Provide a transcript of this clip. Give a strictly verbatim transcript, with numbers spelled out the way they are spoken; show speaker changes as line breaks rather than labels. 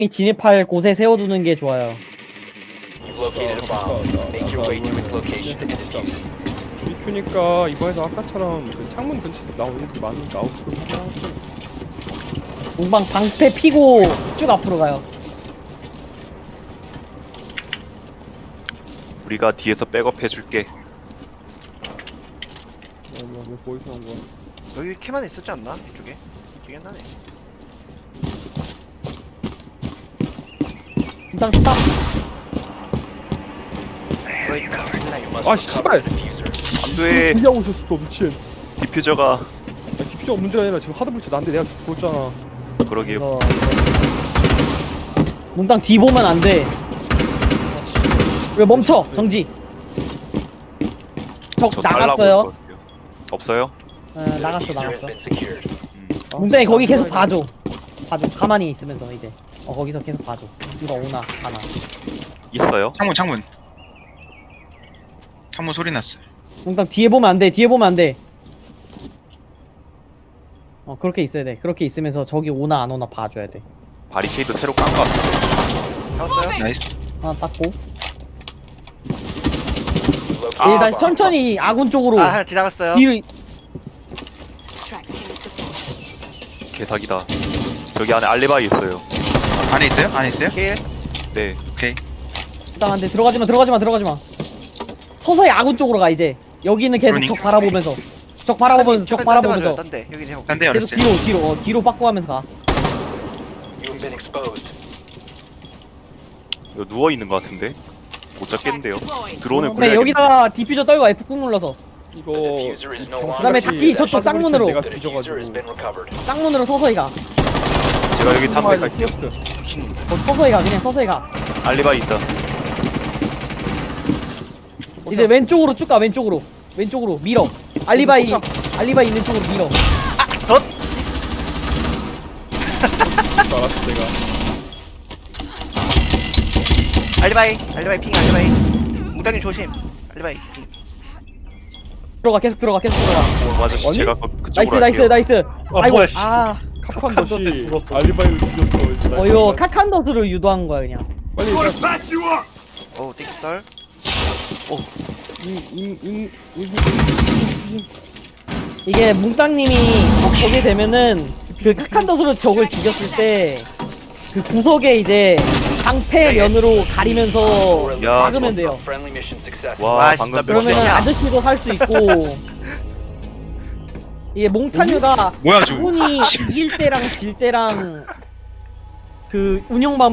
진입할 곳에 세워두는 게 좋아요.
You've located a bomb. Make your way to its location and defuse it.
비큐니까 이번에도 아까처럼 그 창문 근처에 나오는 게 많으니까 아웃으로 하나.
공방 방패 피고 쭉 앞으로 가요.
우리가 뒤에서 백업 해줄게.
어, 뭐야, 왜 보이서 한 거야?
여기 캐만 있었지 않나? 이쪽에? 기억이 안 나네.
일단 스탑.
거의 라인.
Must
아,
recover
씨발!
the diffuser.
안돼.
준비하고 있었어, 너 미친.
디퓨저가
아, 디퓨저가 문제가 아니라 지금 하드블치 나한테 내가 죽었잖아.
그러게.
이거 몽땅 뒤 보면 안 돼. 왜 멈춰? 정지. 적
저 달라고
나갔어요.
할 것 같아요. 없어요?
어,
The
나갔어
diffuser has
나갔어.
been secured.
아,
몽땅이 거기 계속
씨발.
봐줘. 봐줘. 가만히 있으면서 이제. 어 거기서 계속 봐줘. 누가 오나 가나.
있어요?
창문 창문 창문 소리 났어.
몽땅 뒤에 보면 안 돼. 뒤에 보면 안 돼. 어 그렇게 있어야 돼. 그렇게 있으면서 저기 오나 안 오나 봐줘야 돼.
바리케이드 새로 깐 거 같은데.
잡았어요?
나이스.
하나 닦고.
You've located
이제
a
다시
bomb.
천천히 아군 쪽으로
아, 하나 지나갔어요.
뒤로.
개사기다. 저기 안에 알리바이 있어요.
안에 있어요? 안에 있어요?
킬.
네.
오케이.
일단한데 들어가지마 들어가지마 들어가지마. 서서히 아군 쪽으로 가 이제. 여기는 계속
그러니까.
적 바라보면서. 적 바라보면서 적 바라보면서.
딴데 여기 해보.
딴 데
계속
열었어요.
뒤로 뒤로 어, 뒤로 빠꾸 하면서 가.
You have been exposed.
이거 누워 있는 거 같은데. 못 잡겠는데요. 드론을
근데
굴려야겠네.
여기다가 디퓨저 떨고 F 꾹 눌러서
이거
The diffuser is no longer
그다음에
정신같이
다시 저쪽 쌍문으로.
내가
The diffuser has
뒤져가지고.
been recovered.
쌍문으로 서서히 가.
제가 여기 탐색할게요.
피어스트.
미친.
어, 서서히 가 그냥 서서히 가.
알리바이 있다.
이제 왼쪽으로 쭉 가 왼쪽으로. 왼쪽으로 밀어. 알리바이 알리바이 있는 쪽으로 밀어.
알았어 내가.
알리바이. 알리바이 핑. 알리바이. 뭉단님 조심. 알리바이 핑.
들어가 계속 들어가 계속 들어가.
어, 아저씨
아니?
제가 그,
나이스
그쪽으로
나이스
할게요.
나이스. 아이고
뭐야, 씨.
아.
카칸더시 알리바이를 죽였어. 이제
어 이거 카칸더스로 유도한 거야 그냥.
빨리
어우, 땡큐 썰.
인인인
이게 뭉땅님이 보게 되면은 그 카칸더스로 적을 죽였을 때 그 구석에 이제 방패 면으로 가리면서
야,
막으면 돼요.
Friendly mission success.
와,
와,
방금
진짜
몇
그러면은
야.
아저씨도 살 수 있고. 이게 몽타뉴가
뭐야 저.
아군이 이길 때랑 질 때랑 그 운영 방